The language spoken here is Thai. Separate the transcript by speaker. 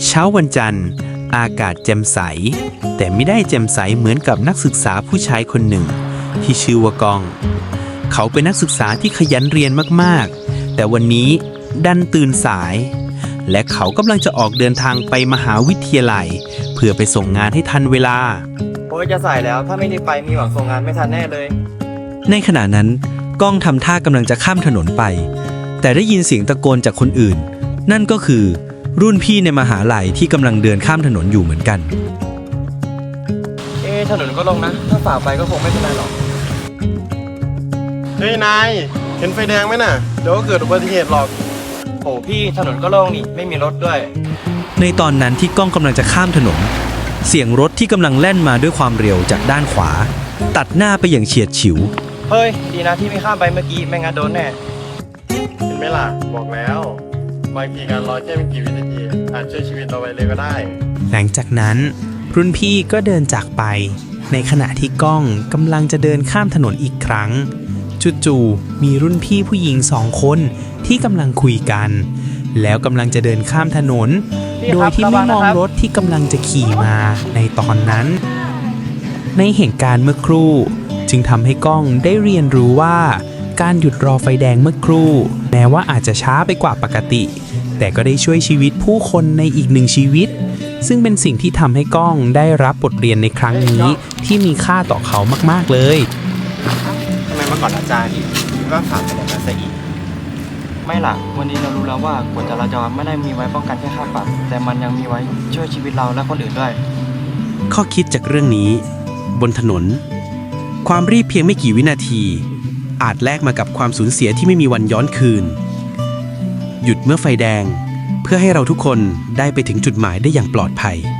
Speaker 1: เช้าวันจันทร์อากาศแจ่มใสแต่ไม่ได้แจ่มใสเหมือนกับนักศึกษาผู้ชายคนหนึ่งที่ชื่อว่ากองเขาเป็นนักศึกษาที่ขยันเรียนมากๆแต่วันนี้ดันตื่นสายและเขากำลังจะออกเดินทางไปมหาวิทยาลัยเพื่อไปส่งงานให้ทันเวลา
Speaker 2: โอ้ยจะสายแล้วถ้าไม่ได้ไปมีหวังส่งงานไม่ทันแน่เลย
Speaker 3: ในขณะนั้นก้องทำท่ากำลังจะข้ามถนนไปแต่ได้ยินเสียงตะโกนจากคนอื่นนั่นก็คือรุ่นพี่ในมหาลัยที่กำลังเดินข้ามถนนอยู่เหมือนกัน
Speaker 2: ถนนก็ลงนะถ้าฝ่าไปก็คงไม่เป็นไรหรอก
Speaker 4: เฮ้ยนายเห็นไฟแดงไหมน่ะเดี๋ยวก็เกิดอุบัติเหตุหรอก
Speaker 2: โอ้พี่ถนนก็โล่งนี่ไม่มีรถด้วย
Speaker 3: ในตอนนั้นที่ก้องกำลังจะข้ามถนนเสียงรถที่กำลังแล่นมาด้วยความเร็วจากด้านขวาตัดหน้าไปอย่างเฉียดฉิว
Speaker 2: เฮ้ยดีนะที่ไม่ข้ามไปเมื่อกี้ไม่งั้นโดนแน่
Speaker 4: เห็นไหมล่ะบอกแล้วบางทีการรอแค่ไม่กี่วินาทีอาจช่วยชีวิตเราไว้เลยก็ได้
Speaker 1: หลังจากนั้นรุ่นพี่ก็เดินจากไปในขณะที่ก้องกำลังจะเดินข้ามถนนอีกครั้งจู่ๆมีรุ่นพี่ผู้หญิง2 คนที่กำลังคุยกันแล้วกำลังจะเดินข้ามถนนโดยที่ไม่มองรถที่กำลังจะขี่มาในตอนนั้นในเหตุการณ์เมื่อครู่จึงทำให้ก้องได้เรียนรู้ว่าการหยุดรอไฟแดงเมื่อครู่แม้ว่าอาจจะช้าไปกว่าปกติแต่ก็ได้ช่วยชีวิตผู้คนในอีก1 ชีวิตซึ่งเป็นสิ่งที่ทำให้ก้องได้รับบทเรียนในครั้งนี้ที่มีค่าต่อเขามากๆเลย
Speaker 2: ทำไมเมื่อก่อนอาจารย์ก็ถามแบบนั้นซะอีกไม่ล่ะวันนี้เรารู้แล้วว่ากฎจราจรไม่ได้มีไว้ป้องกันแค่ค่าปรับแต่มันยังมีไว้ช่วยชีวิตเราและคนอื่นด้วย
Speaker 1: ข้อคิดจากเรื่องนี้บนถนนความรีบเพียงไม่กี่วินาทีอาจแลกมากับความสูญเสียที่ไม่มีวันย้อนคืนหยุดเมื่อไฟแดงเพื่อให้เราทุกคนได้ไปถึงจุดหมายได้อย่างปลอดภัย